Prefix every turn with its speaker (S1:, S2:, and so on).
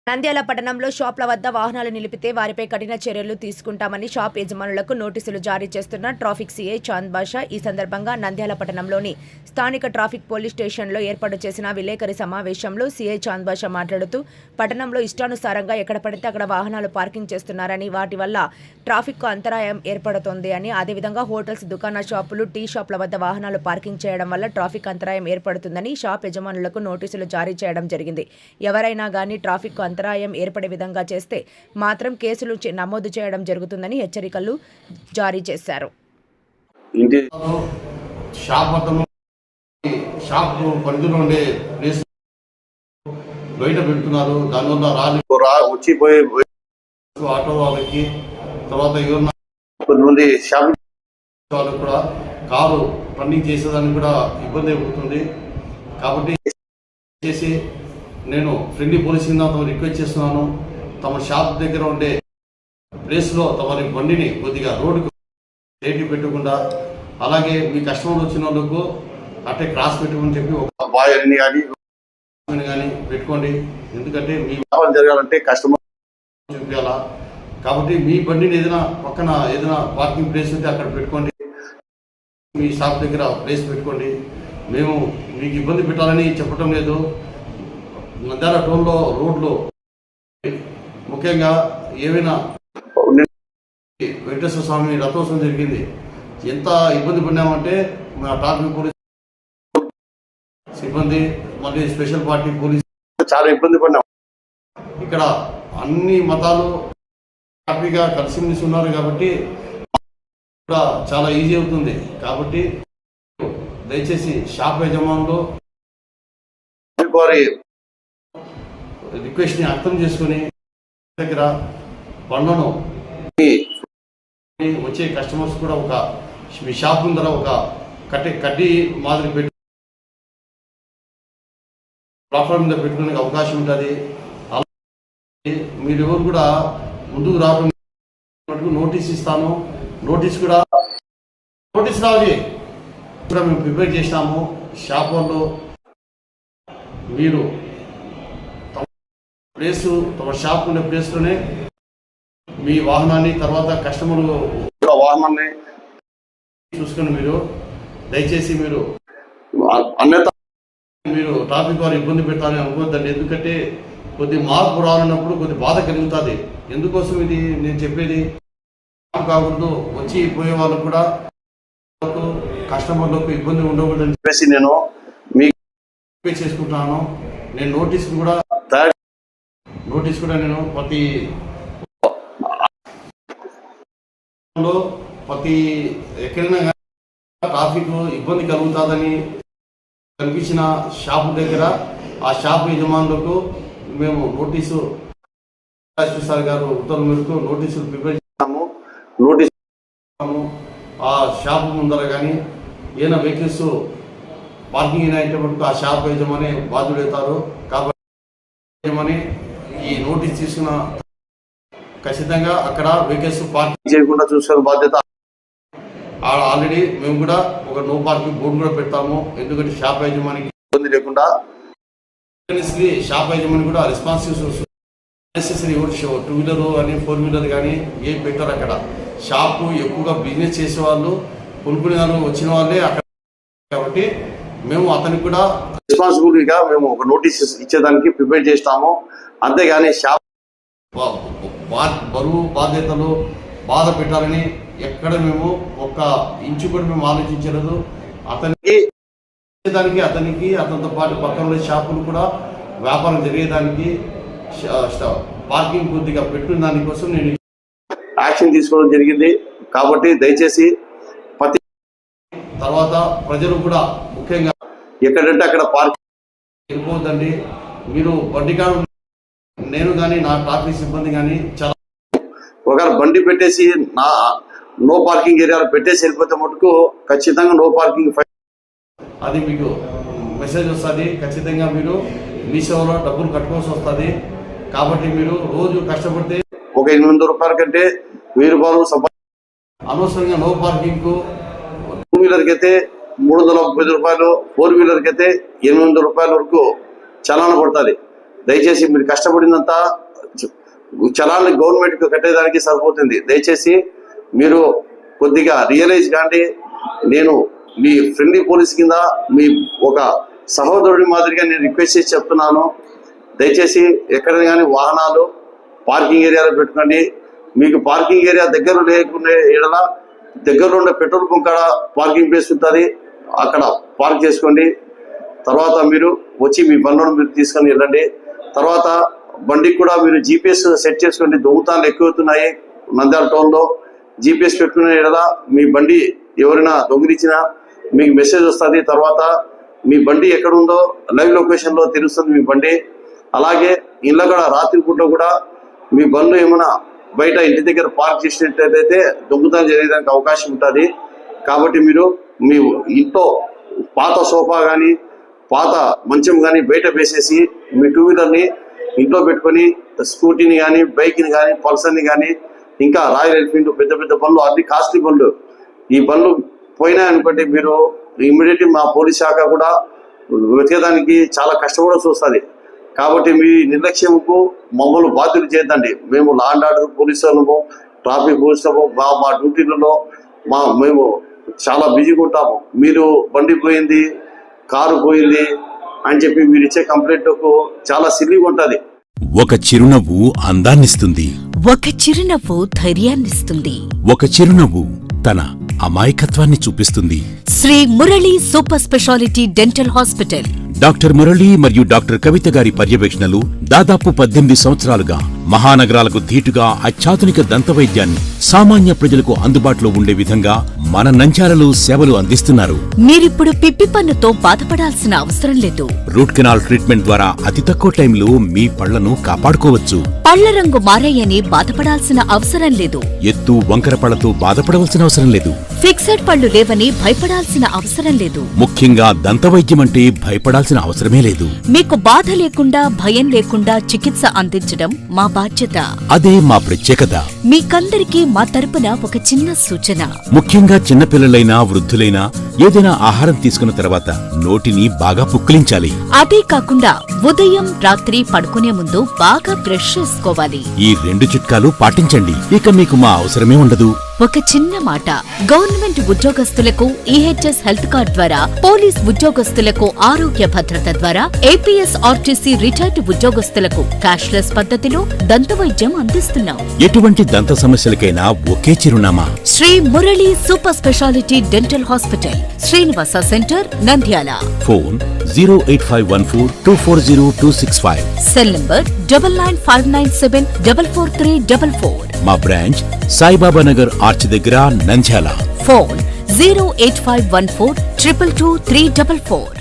S1: నంద్యాల పట్టణంలో షాప్ల వద్ద వాహనాలు నిలిపితే వారిపై కఠిన చర్యలు తీసుకుంటామని షాప్ యజమానులకు నోటీసులు జారీ చేస్తున్న ట్రాఫిక్ సీఐ చాంద్ బాషా ఈ సందర్భంగా నంద్యాల పట్టణంలోని స్థానిక ట్రాఫిక్ పోలీస్ స్టేషన్లో ఏర్పాటు చేసిన విలేకరి సమావేశంలో సీఐ చాంద్ బాషా మాట్లాడుతూ పట్టణంలో ఇష్టానుసారంగా ఎక్కడ పడితే అక్కడ వాహనాలు పార్కింగ్ చేస్తున్నారని వాటి వల్ల ట్రాఫిక్కు అంతరాయం ఏర్పడుతోంది అని అదేవిధంగా హోటల్స్ దుకాణ షాపులు టీ షాప్ల వద్ద వాహనాలు పార్కింగ్ చేయడం వల్ల ట్రాఫిక్ అంతరాయం ఏర్పడుతుందని షాప్ యజమానులకు నోటీసులు జారీ చేయడం జరిగింది. ఎవరైనా గానీ ట్రాఫిక్ అంతరాయం ఏర్పడే విధంగా చేస్తే మాత్రం కేసులు నమోదు చేయడం జరుగుతుందని హెచ్చరికలు జారీ చేశారు.
S2: బయట పెడుతున్నారు. దానివల్ల వచ్చిపోయే ఆటో వాళ్ళకి తర్వాత కొంతమంది షాపింగ్ వాళ్ళకి కూడా కారు రన్నింగ్ చేసేదానికి కూడా ఇబ్బంది అవుతుంది. కాబట్టి చేసి నేను ఫ్రెండ్లీ పోలీసింగ్ తమ రిక్వెస్ట్ చేస్తున్నాను. తమ షాప్ దగ్గర ఉండే ప్లేస్లో తమరి బండిని కొద్దిగా రోడ్డుకు సేఫ్టీ పెట్టకుండా, అలాగే మీ కస్టమర్లు వచ్చిన వాళ్ళకు అట్టే క్రాస్ పెట్టుకుని చెప్పి ఒక బాయ్ అని కానీ పెట్టుకోండి. ఎందుకంటే మీ వ్యాపారం జరగాలంటే కస్టమర్ చూపించాలా. కాబట్టి మీ బండిని ఏదైనా పార్కింగ్ ప్లేస్ ఉంటే అక్కడ పెట్టుకోండి. మీ షాప్ దగ్గర ప్లేస్ పెట్టుకోండి. మేము మీకు ఇబ్బంది పెట్టాలని చెప్పడం లేదు. నంద్యాల టౌన్లో రోడ్లు ముఖ్యంగా ఏమైనా వెంకటేశ్వర స్వామి రథోత్సవం జరిగింది. ఎంత ఇబ్బంది పడినామంటే మా ట్రాఫిక్ పోలీస్ సిబ్బంది, మళ్ళీ స్పెషల్ పార్టీ పోలీస్ చాలా ఇబ్బంది పడినాం. ఇక్కడ అన్ని మతాలు హ్యాపీగా కలిసిమెలిసి ఉన్నారు కాబట్టి చాలా ఈజీ అవుతుంది. కాబట్టి దయచేసి షాప్ యజమానులు వారి రిక్వెస్ట్ని అర్థం చేసుకుని దగ్గర బండ్లను వచ్చే కస్టమర్స్ కూడా ఒక మీ షాప్ ముందర ఒక కడ్డీ మాదిరి పెట్టి ప్లాట్ఫామ్ మీద పెట్టుకునే అవకాశం ఉంటుంది. అలాగే మీరు ఎవరు కూడా ముందుకు రావడం నోటీస్ ఇస్తాను. నోటీస్ రావాలి కూడా మేము ప్రిపేర్ చేసినాము. షాప్ వాళ్ళు మీరు తమ షాప్ ఉండే ప్లేస్లోనే మీ వాహనాన్ని తర్వాత కస్టమర్లు వాహనాన్ని చూసుకొని మీరు దయచేసి మీరు ట్రాఫిక్ వారు ఇబ్బంది పెడతారని అనుకోవద్దండి. ఎందుకంటే కొద్ది మార్పు రానున్నప్పుడు కొద్ది బాధ కలుగుతుంది. ఎందుకోసం ఇది నేను చెప్పేది కాకూడదు. వచ్చి పోయే వాళ్ళకు కూడా కస్టమర్లకు ఇబ్బంది ఉండకూడదని చెప్పేసి నేను మీకు చేసుకుంటున్నాను. నేను నోటీస్ కూడా నేను ప్రతి ఎక్కడైనా ట్రాఫిక్ ఇబ్బంది కలుగుతుందని కనిపించిన షాపు దగ్గర ఆ షాపు యజమానులకు మేము నోటీసు సార్ గారు ఉత్తర్వుల మేరకు నోటీసులు ప్రిపేర్ చేస్తాము. ఆ షాపు ముందర కానీ ఏదైనా వెహికల్స్ పార్కింగ్ అయినటువంటి ఆ షాప్ యజమాని బాధ్యుడవుతారు. కాబట్టి యజమాని ఈ నోటీస్ తీసుకున్న ఖచ్చితంగా అక్కడ వెహికల్స్ పార్కింగ్ చేయకుండా చూసుకునే బాధ్యత. ఆల్రెడీ మేము కూడా ఒక నో పార్కింగ్ బోర్డు కూడా పెడతాము. ఎందుకంటే షాప్ యజమానికి ఇబ్బంది లేకుండా షాప్ యజమాని కూడా రెస్పాన్సిబిలిటీ నెసెసరీ 2 వీలర్ కానీ 4 వీలర్ కానీ ఏం పెట్టారు. అక్కడ షాపు ఎక్కువగా బిజినెస్ చేసే వాళ్ళు కొనుక్కునే వాళ్ళు వచ్చిన వాళ్ళే అక్కడ. కాబట్టి మేము అతనికి కూడా రెస్పాన్సిబిలిటీగా మేము ఒక నోటీస్ ఇచ్చేదానికి ప్రిపేర్ చేస్తాము. అంతేగాని షాప్ బరువు బాధ్యతలు బాధ పెట్టాలని ఎక్కడ మేము ఒక ఇంచు కూడా మేము ఆలోచించలేదు. అతనితో పాటు పక్కన షాపులు కూడా వ్యాపారం జరిగేదానికి పార్కింగ్ కొద్దిగా పెట్టిన దానికోసం నేను యాక్షన్ తీసుకోవడం జరిగింది. కాబట్టి దయచేసి తర్వాత ప్రజలు కూడా ముఖ్యంగా ఎక్కడంటే అక్కడ పార్కింగ్ వెళ్ళిపోవద్దండి. మీరు బండి కాడ నేను కానీ నా ట్రాఫిక్ సిబ్బంది కానీ చాలా ఒకవేళ బండి పెట్టేసి నో పార్కింగ్ ఏరియాలో పెట్టేసి వెళ్ళిపోతే మటుకు ఖచ్చితంగా నో పార్కింగ్ ఫైన్ అది మీకు మెసేజ్ వస్తుంది. ఖచ్చితంగా మీరు మీ సేవలో డబ్బులు కట్టుకోవాల్సి వస్తుంది. కాబట్టి మీరు రోజు కష్టపడితే ఒక 800 రూపాయల కంటే 1000 రూపాయలు అనవసరంగా నో పార్కింగ్కు 2 వీలర్కి అయితే 330 రూపాయలు, 4 వీలర్కి అయితే 800 రూపాయల వరకు చలాన పడుతుంది. దయచేసి మీరు కష్టపడినంత చలాన్ని గవర్నమెంట్కి కట్టేదానికి సరిపోతుంది. దయచేసి మీరు కొద్దిగా రియలైజ్ కాండి. నేను మీ ఫ్రెండ్లీ పోలీస్ కింద మీ ఒక సహోదరుడి మాదిరిగా నేను రిక్వెస్ట్ చేసి చెప్తున్నాను. దయచేసి ఎక్కడ కానీ వాహనాలు పార్కింగ్ ఏరియాలో పెట్టుకోండి. మీకు పార్కింగ్ ఏరియా దగ్గర లేకుండా ఏడల దగ్గరలో ఉండే పెట్రోల్ బంక్ కాడ పార్కింగ్ ప్లేస్ ఉంటుంది, అక్కడ పార్క్ చేసుకోండి. తర్వాత మీరు వచ్చి మీ బండ్లను మీరు తీసుకొని వెళ్ళండి. తర్వాత బండికి కూడా మీరు జీపీఎస్ సెట్ చేసుకోండి. దొంగతనాలు ఎక్కువవుతున్నాయి నంద్యాల టౌన్లో. జీపీఎస్ పెట్టుకునే ఎడల మీ బండి ఎవరైనా దొంగిలించినా మీకు మెసేజ్ వస్తుంది. తర్వాత మీ బండి ఎక్కడ ఉందో లైవ్ లొకేషన్లో తెలుస్తుంది మీ బండి. అలాగే ఇళ్ళ కూడా రాత్రిపూట కూడా మీ బండ్లు ఏమైనా బయట ఇంటి దగ్గర పార్క్ చేసినట్లయితే దొంగతనం జరిగేదానికి అవకాశం ఉంటుంది. కాబట్టి మీరు మీ ఇంట్లో పాత సోఫా కానీ పాత మంచం కానీ బయట వేసేసి మీ టూ వీలర్ని ఇంట్లో పెట్టుకొని స్కూటీని కానీ బైక్ని కానీ పల్సర్ని కానీ ఇంకా రాయల్ ఎన్ఫీల్డ్ పెద్ద పెద్ద బండ్లు అన్ని కాస్ట్లీ బండ్లు ఈ బండ్లు పోయినాయనుకోండి మీరు ఇమ్మీడియట్లీ మా పోలీస్ శాఖ కూడా వెతకడానికి చాలా కష్టపడాల్సి వస్తుంది. కాబట్టి మీ నిర్లక్ష్యంకు మమ్మల్ని బాధ్యులు చేయద్దండి. మేము లా అండ్ ఆర్డర్ పోలీసు వాళ్ళము, ట్రాఫిక్ పోలీసులము మా డ్యూటీలలో మేము చాలా బిజీగా ఉంటాము. మీరు బండి పోయింది, కారు పోయింది అని చెప్పి మీరు ఇచ్చే కంప్లైంట్కు చాలా సిల్లీగా ఉంటుంది.
S3: ఒక చిరునవ్వు అందాన్నిస్తుంది,
S4: ఒక చిరునవ్వు ధైర్యాన్నిస్తుంది,
S3: ఒక చిరునవ్వు తన అమాయకత్వాన్ని చూపిస్తుంది.
S4: Shri Murali super speciality dental hospital.
S3: Doctor Murali మరియు డాక్టర్ కవిత గారి పర్యవేక్షణలు దాదాపు 18 సంవత్సరాలుగా మహానగరాలకు ధీటుగా అత్యాధునిక దంతవైద్యాన్ని సామాన్య ప్రజలకు అందుబాటులో ఉండే విధంగా మన నంద్యాలలో సేవలు అందిస్తున్నారు.
S4: మీరిప్పుడు పిప్పి పన్నుతో బాధపడాల్సిన అవసరం లేదు.
S3: రూట్ కెనాల్ ట్రీట్మెంట్ ద్వారా అతి తక్కువ టైంలో మీ పళ్లను కాపాడుకోవచ్చు.
S4: పళ్ల రంగు మారాయని బాధపడాల్సిన అవసరం లేదు.
S3: ఎత్తు వంకర పళ్లతో బాధపడవలసిన అవసరం లేదు.
S4: ఫిక్సెడ్ పళ్లు లేవని భయపడాల్సిన అవసరం లేదు.
S3: ముఖ్యంగా దంతవైద్యం అంటే భయపడాల్సిన అవసరమే లేదు.
S4: మీకు బాధ లేకుండా భయం లేకుండా చికిత్స అందించడం మా బాధ్యత.
S3: అదే మా ప్రత్యేకత.
S4: మీకందరికీ మా తరపున ఒక చిన్న సూచన.
S3: ముఖ్యంగా చిన్నపిల్లలైనా వృద్ధులైనా ఏదైనా ఆహారం తీసుకున్న తర్వాత నోటిని బాగా పుక్కిలించాలి.
S4: అదే కాకుండా ఉదయం రాత్రి పడుకునే ముందు బాగా బ్రష్ చేసుకోవాలి.
S3: ఈ 2 చిట్కాలు పాటించండి, ఇక మీకు మా అవసరమే ఉండదు.
S4: ఒక చిన్న మాట, గవర్నమెంట్ ఉద్యోగస్తులకు ఈహెచ్ఎస్ హెల్త్ కార్డ్ ద్వారా, పోలీస్ ఉద్యోగస్తులకు ఆరోగ్య భద్రత ద్వారా, ఏపీఎస్ ఆర్టీసీ రిటైర్డ్ ఉద్యోగస్తులకు క్యాష్లెస్ పద్ధతిలో దంతవైద్యం అందిస్తున్నాం.
S3: ఎటువంటి దంత సమస్యలకైనా ఒకే చిరునామా,
S4: Shri Murali super speciality dental hospital, Srinivasa centre, Nandyal.
S3: Phone 08514240265.
S4: Cell number 9959744344.
S3: మా బ్రాంచ్ సాయిబాబా నగర్ ఆర్చ్ దగ్గర, నంద్యాల.
S4: ఫోన్ 08514222344.